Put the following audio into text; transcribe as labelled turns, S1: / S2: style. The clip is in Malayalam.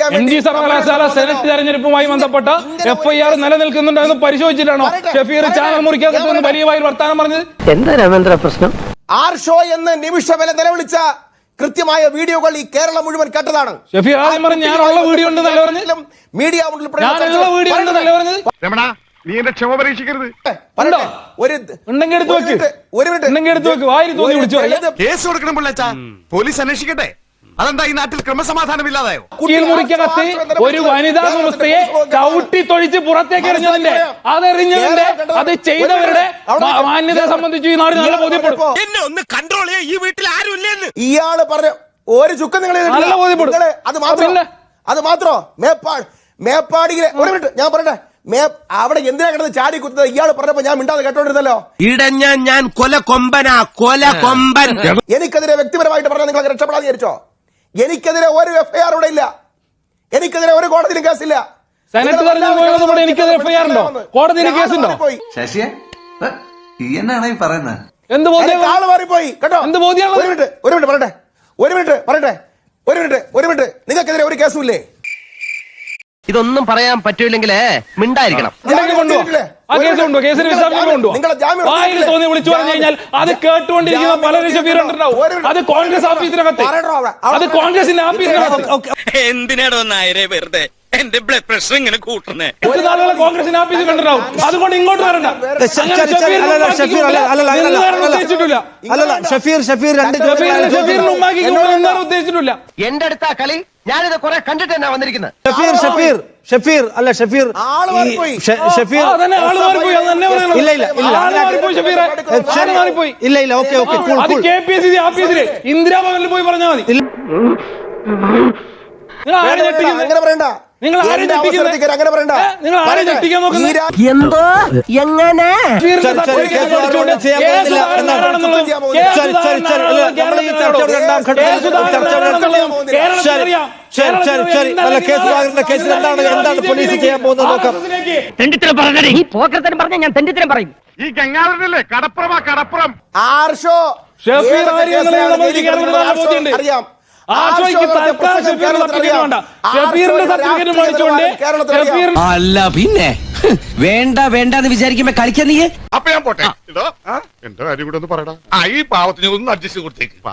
S1: രക്ഷിക്കാൻ
S2: NG സർവകലാശാല സെനറ്റ് തെരഞ്ഞെടുപ്പുമായി ബന്ധപ്പെട്ട FIR നിലനിൽക്കുന്നുണ്ടോ എന്ന് പരിശോധിച്ചിട്ടാണോ ഷഫീർ ചാനൽ മുറിക്കാതെ വലിയ വായിൽ വർത്താനം പറഞ്ഞത്?
S3: എന്താ രാമേന്ദ്ര പ്രശ്നം?
S1: ആർഷോ എന്ന് നിമിഷവില നിലവിളിച്ച കൃത്യമായ വീഡിയോകൾ ഈ കേരളം മുഴുവൻ കേട്ടതാണ്.
S2: ഷഫീർ ആദ്യം പറഞ്ഞു ഞാനുള്ള വീഡിയോ ഉണ്ട് നല്ല പറഞ്ഞു,
S1: മീഡിയ
S2: വീഡിയോ ഉണ്ട് നല്ല പറഞ്ഞത്.
S4: നീ എന്റെ ക്ഷമ പരീക്ഷിക്കരുത്.
S2: ഉണ്ടെങ്കിൽ എടുത്ത് വെക്ക്, ഉണ്ടെങ്കിൽ എടുത്ത് വെക്ക്, വായിൽ തോന്നി വിളിച്ചു
S4: കേസ് കൊടുക്കണം പിള്ളേച്ചാ, പോലീസ് അന്വേഷിക്കട്ടെ. അതെന്താ ഈ നാട്ടിൽ ക്രമസമാധാനം ഇല്ലാതായോ?
S2: മുറിക്കകത്ത് ഒരു വനിതാ വ്യവസ്ഥയെ ചവിട്ടി തൊഴിച്ച് പുറത്തേക്ക് എറിഞ്ഞതിന്റെ അതെറിഞ്ഞതിന്റെ അത് ചെയ്തവരുടെ മാന്യതയെ സംബന്ധിച്ച് ഈ നാട് നല്ല ബോധ്യപ്പെടും.
S5: എന്നെ ഒന്ന് കൺട്രോൾ ചെയ്യാൻ ഈ വീട്ടിൽ ആരും ഇല്ലെന്ന്
S1: ഇയാള് പറഞ്ഞ ഒരു ചുക്കം നിങ്ങൾ അത് മാത്രോ മേപ്പാടിയിലെ ഒരു മിനിറ്റ് ഞാൻ പറയട്ടെ, അവിടെ എന്തിനാ കിടന്ന് ചാടി കുത്തുന്നത് ഇയാൾ പറഞ്ഞപ്പോ ഞാൻ മിണ്ടാതെ കേട്ടോണ്ടിരുന്നല്ലോ.
S5: ഇടഞ്ഞ ഞാൻ കൊല കൊമ്പനാ, കൊല കൊമ്പൻ.
S1: എനിക്കെതിരെ വ്യക്തിപരമായിട്ട് പറഞ്ഞാൽ നിങ്ങൾക്ക് രക്ഷപ്പെടാൻ വിചാരിച്ചോ? എനിക്കെതിരെ ഒരു FIR ഇവിടെ ഇല്ല, എനിക്കെതിരെ ഒരു കോടതിയിലും കേസില്ല.
S2: സെനറ്റ് തെരഞ്ഞെടുപ്പ് എനിക്കെതിരെ FIR ഉണ്ടോ? കോടതിയിൽ കേസുണ്ടോ?
S6: ശശിയെ എന്നാണ് ഈ പറയുന്നത്?
S2: എന്ത് ബോധ്യം?
S1: ആള് മാറിപ്പോയി കേട്ടോ.
S2: എന്ത് ബോധ്യമാണ്?
S1: ഒരു മിനിറ്റ് നിങ്ങൾക്കെതിരെ ഒരു കേസും ഇല്ലേ?
S3: ഇതൊന്നും പറയാൻ പറ്റൂല്ലെങ്കിൽ മിണ്ടായിരിക്കണം.
S2: വായിൽ തോന്നി വിളിച്ചു പറഞ്ഞു കഴിഞ്ഞാൽ അത് കേട്ടുകൊണ്ടിരിക്കുന്ന പലരും ഷഫീറുണ്ടാവും. അത് കോൺഗ്രസ് ഓഫീസിനകത്ത്, അത് കോൺഗ്രസിന്റെ ഓഫീസിനകത്ത്.
S5: എന്തിനാടോ നായരെ വെറുതെ എന്റെ ബ്ലഡ് പ്രഷർ ഇങ്ങനെ കൂട്ടുന്നേ?
S2: കോൺഗ്രസിന്റെ ഓഫീസിൽ കണ്ടിട്ടുണ്ടാവും. അതുകൊണ്ട് ഇങ്ങോട്ട് വരണ്ട. ഉദ്ദേശിച്ചിട്ടില്ല.
S3: എന്റെ അടുത്ത കളി ഞാനിത് കുറെ കണ്ടിട്ട് തന്നെ വന്നിരിക്കുന്നത്.
S2: ഇന്ദിരാഭവനിൽ പോയി പറഞ്ഞാൽ മതി. നിങ്ങൾ ആരെ ഞെട്ടിക്കുന്നത്?
S1: അങ്ങനെ പറയണ്ട.
S2: നിങ്ങൾ ആരെ ഞെട്ടിക്കുന്നത്?
S1: അങ്ങനെ പറയണ്ട.
S2: നിങ്ങൾ ആരെ ഞെട്ടിക്കാൻ നോക്കുന്നത്?
S3: എന്തോ എങ്ങനെ
S2: പോലീസ് ചെയ്യാൻ പോകുന്നത്?
S3: ഈ പോക്കരത്തരം പറഞ്ഞ ഞാൻ തെണ്ടിത്തരം പറയും.
S4: ഈ ഗംഗാധരനല്ലേ കടപ്പുറം
S2: ആർഷോ ഷഫീർ അറിയാം.
S5: അല്ല പിന്നെ വേണ്ട വേണ്ടെന്ന് വിചാരിക്കുമ്പോ കളിക്കാൻ നീ.
S4: അപ്പൊ ഞാൻ പോട്ടെ. എന്റെ കാര്യം കൂടെ ഒന്ന് പറയടാ. ഈ പാവത്തിന് ഒന്ന് അഡ്ജസ്റ്റ് കൊടുത്തേക്ക്.